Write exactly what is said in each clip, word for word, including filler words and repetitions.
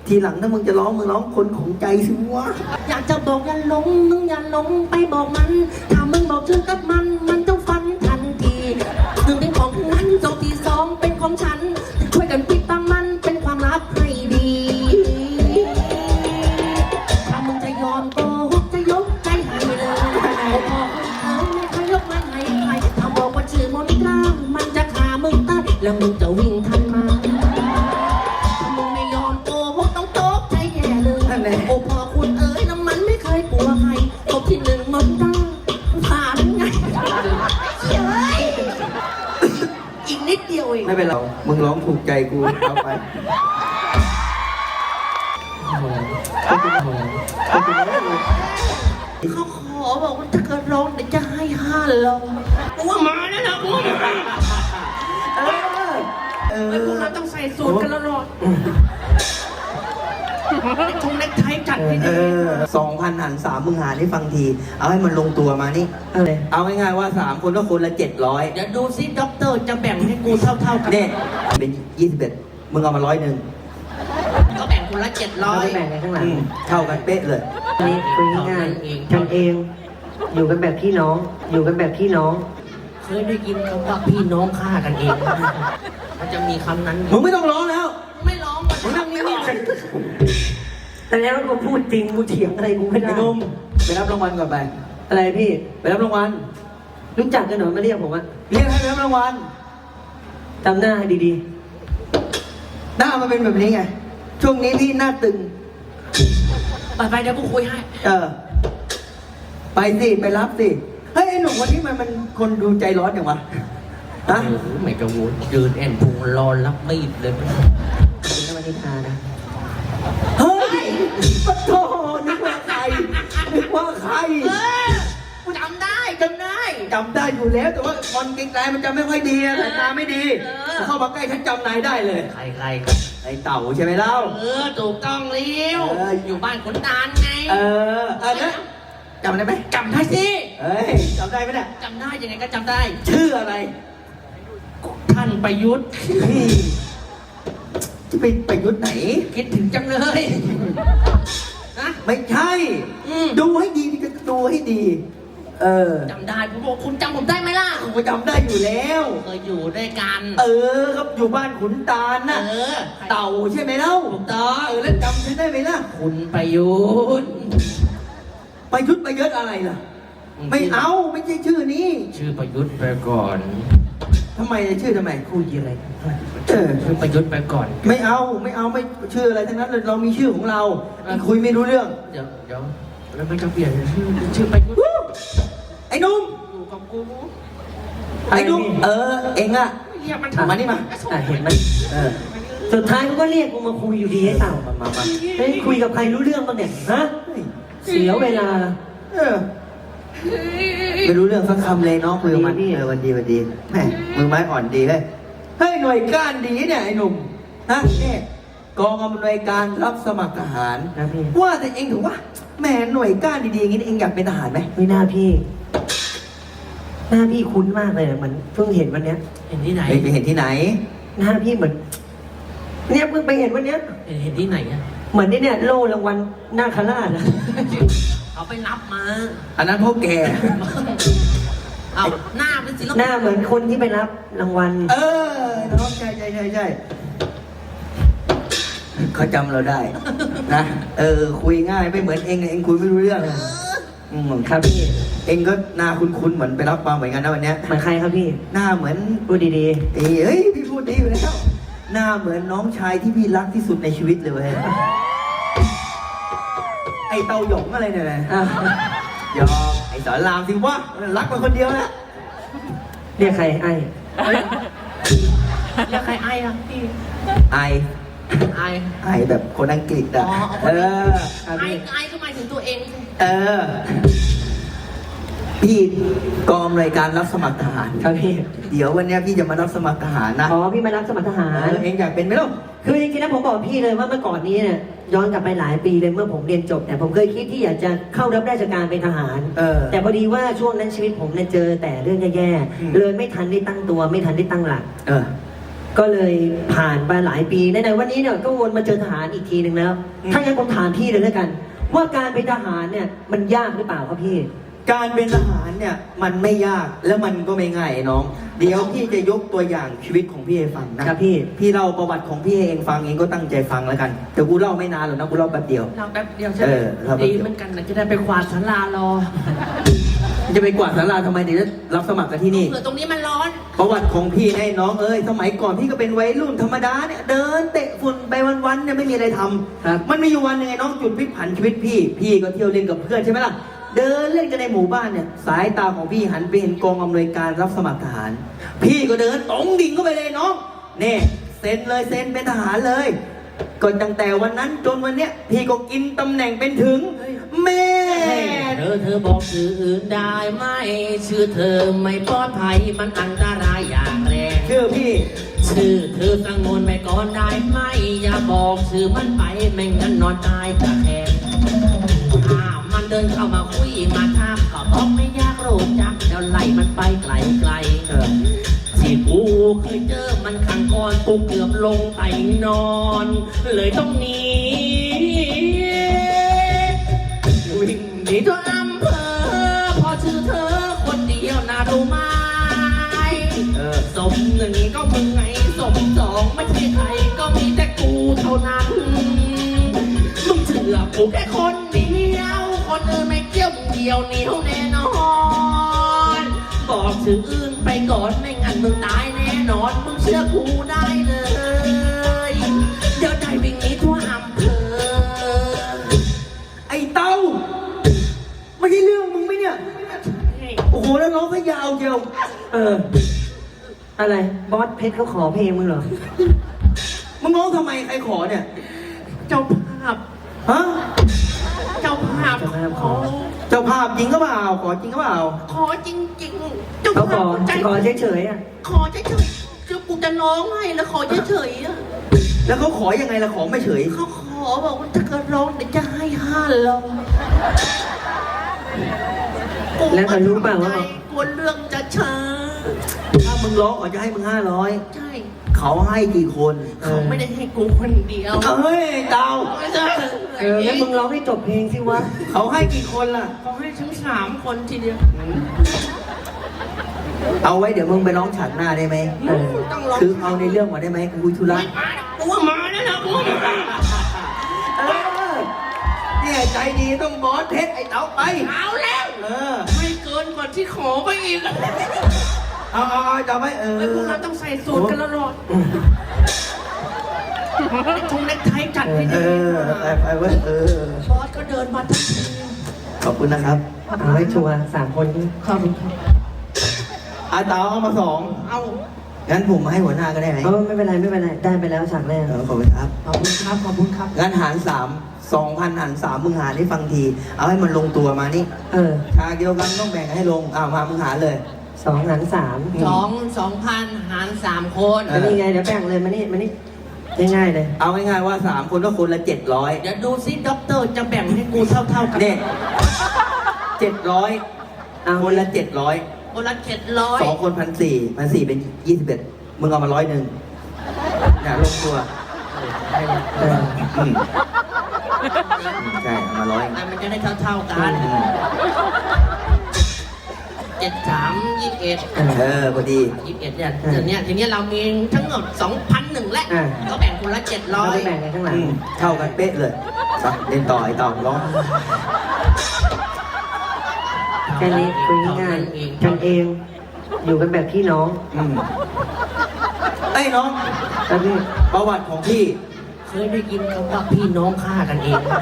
ทีหลังถ้ามึงจะร้องมึงร้องคนของใจสิวะอยากจะบอกอย่าหลงมึงอย่าหลงไปบอกมันถ้ามึงบอกชื่อกับมันมันจะฟันทันทีหนึ่งเป็นของนั้นสองที่สองเป็นของฉันช่วยกันปิดบังมันเป็นความลับให้ดีถ้ามึงจะยอมโกหกจะยกใจให้เลยโอ้พ่อคุณเอ๋ยไม่เคยยกมันให้ใครถ้าบอกว่าชื่อมนตรามันจะฆ่ามึงตายแล้วมึงจะวิ่งทันมาถ้ามึงไม่ยอมโกหกต้องโต๊ะใจแย่เลยโอ้พ่อคุณเอ๋ยน้ำมันไม่เคยกลัวใครตบที่หนึ่งมนตราผ่านไงเฮ้ยอีกนิดเดียวเองไม่เป็นไรมึงร้องถูกใจกูเอาไปเขาขอบอกว่าถ้าเกิดร้องเดี๋ยวจะให้ห้าร้อยกูว่ามาแล้วนะกูว่ามาเออเอไอ้พวกอเราต้องใส่สูทกันแล้วหรอไอ้ทงเล็กไทยจัดให้เอดีอสองพันหันสามมึงหาได้ฟังทีเอาให้มันลงตัวมานี่เอาง่ายๆว่าสามคนก็คนละเจ็ดร้อยเดี๋ยวดูซิด็อกเตอร์จะแบ่งให้กูเท่าๆกันเนี่ยเป็นยี่สิบเอ็ดมึงเอามาร้อยหนึ่งก็แบ่งคนละเจ็ดร้อยแบ่งกันข้างหลังเท่ากันเป๊ะเลยอันนี้คุยง่ายๆกันเอง อยู่กันแบบพี่น้อง อยู่กันแบบพี่น้องเคยได้ยินคำว่าพี่น้องฆ่ากันเองมันจะมีคำนั้นมึงไม่ต้องร้องแล้วไม่ร้องมันมึงนั่งนิ่งแต่แล้วกูพูดจริงกูเถียงอะไรกูไม่ๆได้ไอ้หนุ่มไปรับรางวัลก่อนไปอะไรพี่ไปรับรางวัลรู้จักกันเหรอมาเรียกผมอะเรียกให้ไปรับรางวัลจำหน้าให้ดีหน้ามันเป็นแบบนี้ไงช่วงนี้พี่หน้าตึงไปไปเดี๋ยวกูคุยให้เออ ไปสิไปรับสิเฮ้ยไอ้หนุ่มวันนี้มันมันคนดูใจร้อนอย่างวะฮะโอ้โหไม่กระวนยืนแอนพุงรอรับมีดเลยๆคุณนวันิชานะเฮ้ยปะโถนึกว่าใครนึกว่าใครเออกูจำได้จำได้จำได้อยู่แล้วแต่ว่าคอนไกลๆมันจำไม่ค่อยดีอะสายตาไม่ดีเออเข้ามาใกล้ฉันจำนายได้เลยใครใครไอ้เต่าใช่ไหมเล่าเออถูกต้องเลี้ยวเอออยู่บ้านขุนตาลไงเออเออนะจำได้ไหมจำได้สิเฮ้ยจำได้ไหมเนี่ยจำได้ยังไงก็จำได้ชื่ออะไรท่านประยุทธ์เฮ้ยจะไปประยุทธ์ไหนคิดถึงจังเลยนะไม่ใช่อืมดูให้ดีก็ดูให้ดี เออจำได้ผมบอกคุณจำผมได้ไหมล่ะผมจำได้อยู่แล้วเคยอยู่ด้วยกันเออครับอยู่บ้านขุนตาลน่ะเออเต่าใช่ไหมเล่าถูกต้องเออแล้วจำฉันได้ไหมล่ะคุณประยุทธ์ประยุทธ์ประยุทธ์อะไรล่ะ ไม่เอาไม่ใช่ชื่อนี้ชื่อประยุทธ์ไปก่อนทำไมชื่อทำไมคุยอะไรกันเออชื่อประยุทธ์ไปก่อนไม่เอาไม่เอาไม่ชื่ออะไรทั้งนั้นเลยเรามีชื่อของเราคุยไม่รู้เรื่องเดี๋ยวเดี๋ยวแล้วมันจะเปลี่ยนชื่อชื่อประยุทธ์ไอ้หนุ่มอยู่กับกูไอ้หนุ่มเออเองอะเรียกมันมานี่มาอ่ะเห็นไหมเออสุดท้ายเขาก็เรียกกูมาคุยอยู่ดีไอ้เต่ามามามาเฮ้ยคุยกับใครรู้เรื่องบ้างเนี่ย ฮะ เสียเวลาเออไม่รู้เรื่องสักคำเลยน้องคุยกับมันดีพี่เออวันดีวันดีแหมมือไม้อ่อนดีเลยเฮ้ยหน่วยก้านดีเนี่ยไอ้หนุ่มฮะเนี่ยกองอำนวยการรับสมัครทหารนะพี่ว่าแต่เองถือว่าแหมหน่วยก้านดีๆอย่างนี้เองอยากเป็นทหารไหมไม่น่าพี่ หน้าพี่คุ้นมากเลยเหมือนเพิ่งเห็นวันเนี้ยเห็นที่ไหนเองไปเห็นที่ไหนหน้าพี่เหมือน เนี่ยเพิ่งไปเห็นวันเนี้ยเห็นเห็นที่ไหนอะเหมือนนี่เนี่ยโล่รางวัลนาคราชอะเขาไปรับมาอันนั้นพ่อแกเอาหน้าเป็นศิลหปิน้าเหมือนคนที่ไปรับรางวัลเออน้องใช่ใช่ใช่ใช่เขาจำเราได้ นะเออคุยง่ายไม่เหมือนเองเองคุยไม่รู้เรื่องอืมครับพี่เองก็หน้าคุ้นๆเหมือนไปรับมาเหมือนกันนะวันเนี้ยเหมือนใครครับพี่หน้าเหมือนพูดดีเอ้ยเฮ้ยพี่พูดดีอยู่แล้วหน้าเหมือนน้องชายที่พี่รักที่สุดในชีวิตเลยเว้ยไอเตาหยงอะไรเนี่ยนะๆอ่ะยอมไอสอนรามสิวะรักมันคนเดียวนะเรียกใครไอ้แล้วใครไอ้อะพี่ไอไอ้ไอแบบคนอังกฤษอ่ะอ๋อเออครับไอ้พี่ไอ้ก็หมายถึงตัวเองสิเออ พี่กองรายการรับสมัครทหารครับพี่เดี๋ยววันเนี้ยพี่จะมารับสมัครทหารนะอ๋อพี่มารับสมัครทหาเอรอเองอยากเป็นไหมล่ะคือจริงๆแล้วผมบอกพี่เลยว่าเมื่อก่อนนี้เนี่ยย้อนกลับไปหลายปีเลยเมื่อผมเรียนจบเนี่ยผมเคยคิดที่อยากจะเข้ารับราชการเป็นทหารเออแต่พอดีว่าช่วงนั้นชีวิตผมเนี่ยเจอแต่เรื่องแย่อืมๆเลยไม่ทันได้ตั้งตัวไม่ทันได้ตั้งหลักเออก็เลยผ่านไปหลายปีในๆวันนี้เนี่ยก็วนมาเจอทหารอีกทีหนึ่งแล้วอืมถ้างั้นผมถามพี่เลยแล้วกัน ว่าการเป็นทหารเนี่ยมันยากหรือเปล่าครับพี่การเป็นทหารเนี่ยมันไม่ยากแล้วมันก็ไม่ง่ายน้อง เดี๋ยวพี่จะยกตัวอย่างชีวิตของพี่ให้ฟังนะครับพี่พี่เล่าประวัติของพี่ให้เองฟังเองก็ตั้งใจฟังแล้วกันแต่กูเล่าไม่นานหรอกนะกูเล่าแป๊บเดียวเราแป๊บเดียวใช่ไหมเออเราแป๊บดีเดียวเหมือนกันนะจะได้ไปกวาดศาลารอจะไปกวาดศาลาทำไมเดี๋ยวจะรับสมัครกันที่นี่เผื่อตรงนี้มันร้อนประวัติของพี่ไอ้น้องเอ้ยสมัยก่อนพี่ก็เป็นวัยรุ่นธรรมดาเนี่ยเดินเตะฝุ่นไปวันๆเนี่ยไม่มีอะไรทำครับมันมีอยู่วันหนึงไอ้น้องจุดพลิกผันชีวิตพี่ พี่ก็เที่ยวเล่นกับเพื่อนใช่ไหมล่ะเดินเล่นกันในหมู่บ้านเนี่ยสายตาของพี่หันไปเห็นกองอำนวยการรับสมัครทหาร พี่ก็เดินตรงดิ่งเข้าไปเลยน้องเนี่ยเซ็นเลยเซ็นเป็นทหารเลยก็ตั้งแต่วันนั้นจนวันเนี้ยพี่ก็กินตำแหน่งเป็นถึงแม่เธอเธอบอกชื่ออื่นได้ไหมชื่อเธอไม่ปลอดภัยมันอันตรายอย่างแรงชื่อพี่ชื่อเธอสังงวนไปก่อนได้ไหมอย่าบอกชื่อมันไปไม่งั้นนอนตายตะแคงอ้าวมันเดินเข้ามาคุยมาถามก็บอกไม่อยากรู้จักเดี๋ยวไล่มันไปไกลไกลๆเออที่กูเคยเจอมันขังก่อนกูเกือบลงไปนอน เลยต้องหนีวิ่งหนีตัวอำเภอพอชื่อเธอคนเดียวน่ารู้ไหมเออสมหนึ่งก็มึงไงสมสองไม่ใช่ใครก็มีแต่กูเท่านั้น มึงเชื่อกูแค่คนเดียวคนอื่นไม่เกี่ยวมึงเดียวเหนียวแน่นอน บอกชื่ออื่นไปก่อนไม่งั้นมึงตายแน่นอนมึงเชื่อกูได้เลย เดี๋ยวได้วิ่งหนีทั่วอำเภอไอ้เต้าไม่ใช่เรื่องมึงไหมเนี่ย โอ้โห แล้วร้องก็ยาวเชียวเออ อะไรบอสเพชรเขาขอเพลงมึงเหรอมึงร้องทำไมใครขอเนี่ยเจ้าภาพฮะเจ้าภาพเจ้าภาพขขออเจ้าภาพจริงก็เปล่า ขอจริงก็เปล่าขอจริงๆเจ้าเขาขภาอพใจขอเฉยๆอ่ะขอเฉยๆคือกูจะร้องให้แล้วขอเฉยๆอะแล้วเขาขอยังไงล่ะ ขอไม่เฉยเขาขอบอกว่าถ้าเกิดร้องเดี๋ยวจะให้ห้าร้อยแล้วเขารู้เปล่าว่ากลัวเรื่องจะช้าถ้ามึงร้องเขาจะให้มึงห้าร้อยใช่เขาให้กี่คนเขาไม่ได้ให้กูคนเดียวเอ้ยเตาไม่ใช่เออแล้วมึงร้องให้จบเพลงสิวะเขาให้กี่คนล่ะเขาให้ทั้งสามคนทีเดียวเอาไว้เดี๋ยวมึงไปร้องฉากหน้าได้ไหมเออต้องร้องคือเอาในเรื่องมาได้ไหมกูคุยธุระไม่มากูว่ามาแล้วนะกูว่ามาเออเนี่ยใจดีต้องบอสเพชรไอ้เต๋าไปเอาแล้วเออไม่เกินกว่าที่ขอไปอีกเอาเอาเอาจะไม่เออไอ้พวกเราต้องใส่สูตรกันแล้วหรอทุ่งเล็กไทยจัดให้เอดีอไปไปเว้ยเออบอสก็เดินมาทั้งทีขอบคุณนะครับเอาให้ชัวร์สามคนนี้ขอบคุณครับอาเต๋าเอามาสองเอางั้นผมมาให้หัวหน้าก็ได้ไหมเออไม่เป็นไรไม่เป็นไรได้ไปแล้วฉากแรกเออขอบคุณครับขอบคุณครับ ขอบคุณครับงั้นหารสามสองพันหารสามมึงหารให้ฟังที เอาให้มันลงตัวมานี่เออฉากเดียวกันต้องแบ่งให้ลงอ้าวมามึงหารเลยสองหารสามสองสองพันหารสามคนเอแล้วนี่ไงเดี๋ยวแบ่งเลยมานี่มานี่ง่ายๆเลยเอาง่ายๆว่าสามคนก็คนละเจ็ดร้อยเดี๋ยวดูซิด็อกเตอร์จะแบ่งให้กูเท่าๆกันเนี่ยเจ็ดร้อยเอาคนละเจ็ดร้อยคนละเจ็ดร้อยสองคนพันสี่พันสี่เป็นยี่สิบเอ็ดมึงเอามาร้อยหนึ่งเนี่ยลงตัวเอออืมใช่เอามาร้อยมันจะได้เท่าๆกันอืมเจ็ดสามยี่สิบเอ็ดเออพอดียี่สิบเอ็ดเนี่ยเดี๋ยวเนี้ยทีเนี้ยเรามีทั้งหมดสองพันหนึ่งและอ่าก็แบ่งคนละเจ็ดร้เราอยไปแบ่งกันข้างหลังอืมเท่ากันเป๊ะเลยไปเล่นต่อไอ้ต่อร้องแค่นี้คุยง่ายๆกันเอง อยู่กันแบบพี่น้องอืมไอ้น้องแล้วพี่ประวัติของพี่เคยได้ยินคำว่าพี่น้องฆ่ากันเองไหม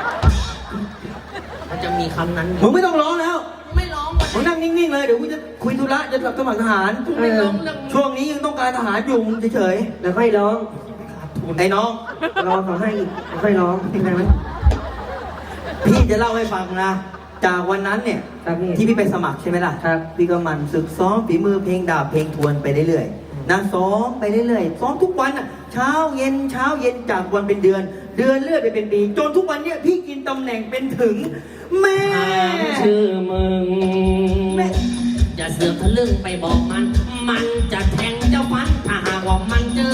มันจะมีคำนั้นอมึยู่งไม่ต้องร้องแล้วไม่ร้องหมดมึงนั่งนิ่งๆเลย เดี๋ยวกูจะคุยธุระจะรับสมัครทหารไม่ร้องเรื่องช่วงนี้ยังต้องการทหารอยู่มึงเฉยแล้วค่อยร้องๆไอ้น้องรอเขาให้อีกแล้วค่อยร้องได้ไหมพี่จะเล่าให้ฟังนะ จากวันนั้นเนี่ยครับพี่ที่พี่ไปสมัครใช่ไหมล่ะครับพี่ก็หมันศึกซ้อมฝีมือเพลงดาบเพลงทวนไปเรื่อยๆนะซ้อมไปเรื่อยๆซ้อมทุกวันอ่ะเช้าเย็นเช้าเย็นจากวันเป็นเดือน เดือนเลื่อนไปเป็นปีจนทุกวันเนี้ยพี่กินตำแหน่งเป็นถึง แม่ถามชื่อมึงแม่อย่าเสือกทะลึ่งไปบอกมัน มันจะแทงเจ้าฟันถ้าหากว่ามันเจอ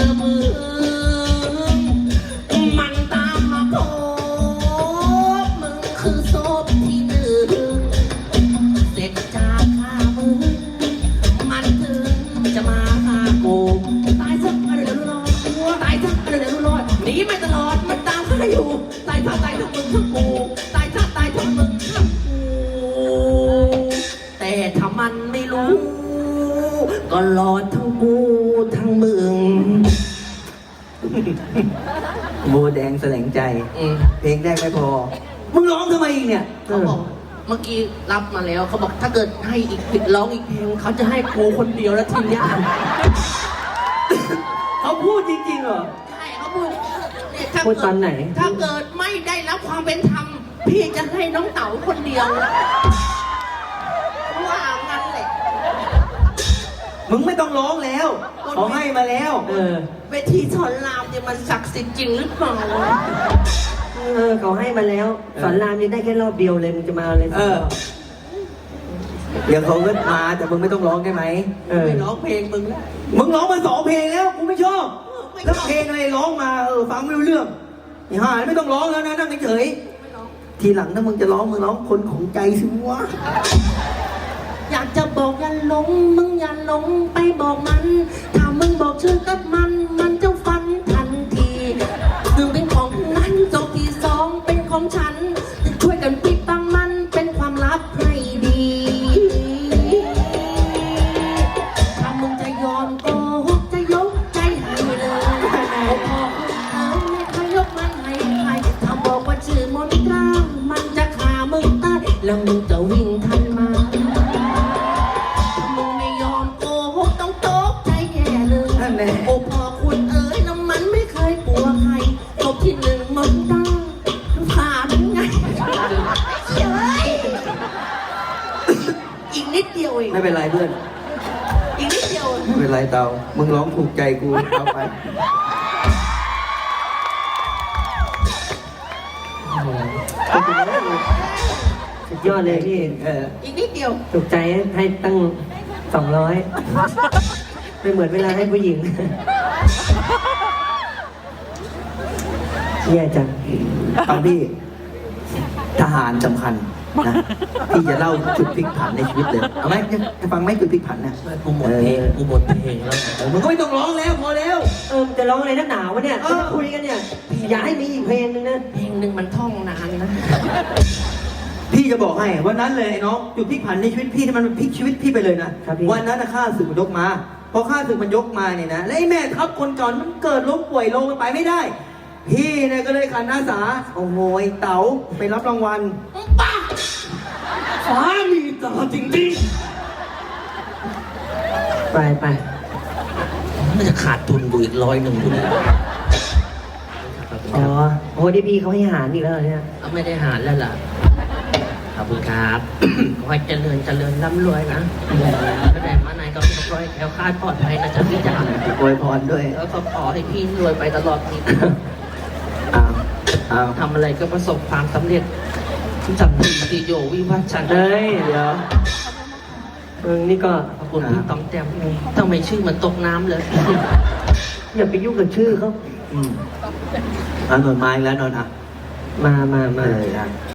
ให้อยู่ตายถ้าตายทั้งมึงทั้งกูตายถ้าตายทั้งมึงทั้งกูแต่ถ้ามันไม่รู้ ก็รอดทั้งกูทั้งมึงโบแดงแสลงใจอืมเพลงแรกไม่พอ มึงร้องทำไมอีกเนี่ยเขาบอกเมื่อกี้รับมาแล้วเขาบอกถ้าเกิดให้อีกปิดร้องอีกเพลงเขาจะให้กูคนเดียวแล้วทีเนี้ยเขาพูดจริงๆเหรอใช่เขาพูดเนี่ยถ้าพูดเกิตอนไหนถ้าเกิดไม่ได้รับความเป็นธรรมพี่จะให้น้องเต๋าคนเดียวว่างั้นแหละมึงไม่ต้องร้องแล้วเขาให้มาแล้วเออเวทีสอนรามเนี่ยมันศักดิ์สิทธิ์จริงหรือเปล่าเออเขาให้มาแล้ว สอนรามยังได้แค่รอบเดียวเลยมึงจะมาเอาอะไรเออ เดี๋ยวเขาก็มาแต่มึงไม่ต้องร้องได้ไหมเออไม่ร้องเพลงมึงมึงร้องมาสองเพลงแล้วกูไม่ชอบ แล้วเพลงอะไรร้องมาเออฟังไม่รู้เรื่องไอ้ห่าไม่ต้องร้องแล้วนะนั่งเฉยๆทีหลังถ้ามึงจะร้องมึงร้องคนของใจสิวะอยากจะบอกอย่าหลงมึงอย่าหลงไปบอกมันถ้ามึงบอกชื่อกับมันมันจะฟันทันทีหนึ่งเป็นของนั้นสองที่สองเป็นของฉันช่วยกันปิดบังมันเป็นความลับให้ดีถ้ามึงจะยอมโกหกจะยกใจให้เลยพอคุณเอ๋ยไม่เคยยกมันให้ใครถ้าบอกว่าชื่อมนตรามันจะฆ่ามึงตายแล้วมึงจะวิ่งทันมามึงไม่ยอมโกหกต้องตกใจแย่เลยนั่นแหละโอ้พอคุณเอ๋ยแล้วมันไม่เคยกลัวใครตบที่หนึ่งมนตราผ่านไงเฮ้ยอีกนิดเดียวเองไม่เป็นไรเพื่อนอีกนิดเดียวเองไม่เป็นไรเตามึงร้องถูกใจกูเอาไปสุดยอดเลยพี่เอออีกนิดเดียวถูกใจให้ตั้งสองร้อยไม่เหมือนเวลาให้ผู้หญิงแย่จังฟังพี่ ทหารสำคัญนะพี่จะเล่าจุดพลิกผันในชีวิตเลยเอาไหมจะฟังไหมจุดพลิกผันเนี่ยกูหมดเพลงกูหมดเพลงแล้วเออมึงก็ไม่ต้องร้องแล้วพอแล้วเออจะร้องอะไรนักหนาวะเนี่ยเออจะคุยกันเนี่ย อย่าให้มีอีกเพลงนึงนะเพลงหนึ่งมันท่องนานนะพี่จะบอกให้วันนั้นเลยไอ้น้องจุดพลิกผันในชีวิตพี่ที่มันพลิกชีวิตพี่ไปเลยนะครับพี่วันนั้นนะข้าศึกมันยกมาพอข้าศึกมันยกมาเนี่ยนะแล้วไอ้แม่ทัพคนก่อนมันเกิดล้มป่วยลงมันไปไม่ได้ พี่เนี่ยก็เลยขันอาสาโอ้โหไอ้เต๋าไปรับรางวัลป้าฟ้ามีตาจริงไปไปๆมันจะขาดทุนกูอีกร้อยหนึ่งทุนอ๋อโอ้ดีพี่เขาให้หารอีกแล้วเหรอเนี่ยก็ไม่ได้หารแล้วล่ะขอบคุณครับ ขอให้เจริญเจริญร่ำรวยนะก็ได้มาไหนก็ขอให้แคล้วคลาดปลอดภัยนะจ๊ะพี่จ๋าอวยพรด้วยแล้วก็ขอให้พี่รวยไปตลอดนี้อ้าวอ้าวทำอะไรก็ประสบความสำเร็จสันติติโยวิวัชชันเฮ้ยเดี๋ยวมึงนี่ก็ขอบคุณพี่ต๋องแต้มทำไมชื่อเหมันตกน้ำเลยอย่าไปยุ่งกับชื่อเขาอืมอ่ะนนท์มาอีกแล้วนนท์อ่ะมามามาเลยอ่ะ